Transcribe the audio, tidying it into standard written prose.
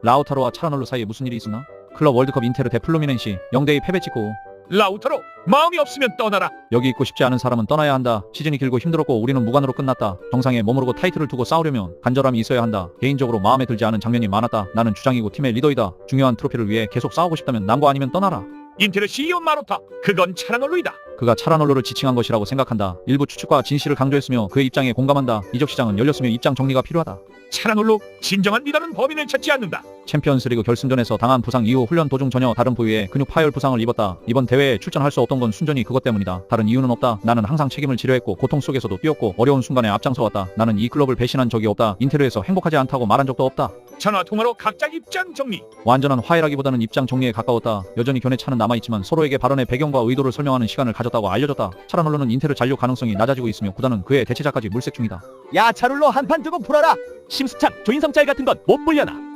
라우타로와 차라놀로 사이에 무슨 일이 있었나? 클럽 월드컵 인테르 대 플루미넨시 0대2 패배 찍고. 라우타로, 마음이 없으면 떠나라. 여기 있고 싶지 않은 사람은 떠나야 한다. 시즌이 길고 힘들었고 우리는 무관으로 끝났다. 정상에 머무르고 타이틀을 두고 싸우려면 간절함이 있어야 한다. 개인적으로 마음에 들지 않은 장면이 많았다. 나는 주장이고 팀의 리더이다. 중요한 트로피를 위해 계속 싸우고 싶다면 남과 아니면 떠나라. 인테르 CEO 마로타, 그건 차라놀로이다. 그가 차라놀로를 지칭한 것이라고 생각한다. 일부 추측과 진실을 강조했으며 그의 입장에 공감한다. 이적 시장은 열렸으며 입장 정리가 필요하다. 차라놀로, 진정한 리더는 범인을 찾지 않는다. 챔피언스리그 결승전에서 당한 부상 이후 훈련 도중 전혀 다른 부위에 근육 파열 부상을 입었다. 이번 대회에 출전할 수 없던 건 순전히 그것 때문이다. 다른 이유는 없다. 나는 항상 책임을 지려했고 고통 속에서도 뛰었고 어려운 순간에 앞장서왔다. 나는 이 클럽을 배신한 적이 없다. 인테르에서 행복하지 않다고 말한 적도 없다. 전화 통화로 각자 입장 정리. 완전한 화해라기보다는 입장 정리에 가까웠다. 여전히 견해 차는 남아있지만 서로에게 발언의 배경과 의도를 설명하는 시간을 가졌다고 알려졌다. 차라놀로는 인테르 잔류 가능성이 낮아지고 있으며 구단은 그의 대체자까지 물색 중이다. 야 차룰로 한판 두고 풀어라. 심수창 조인성 짤 같은 건 못 물려나.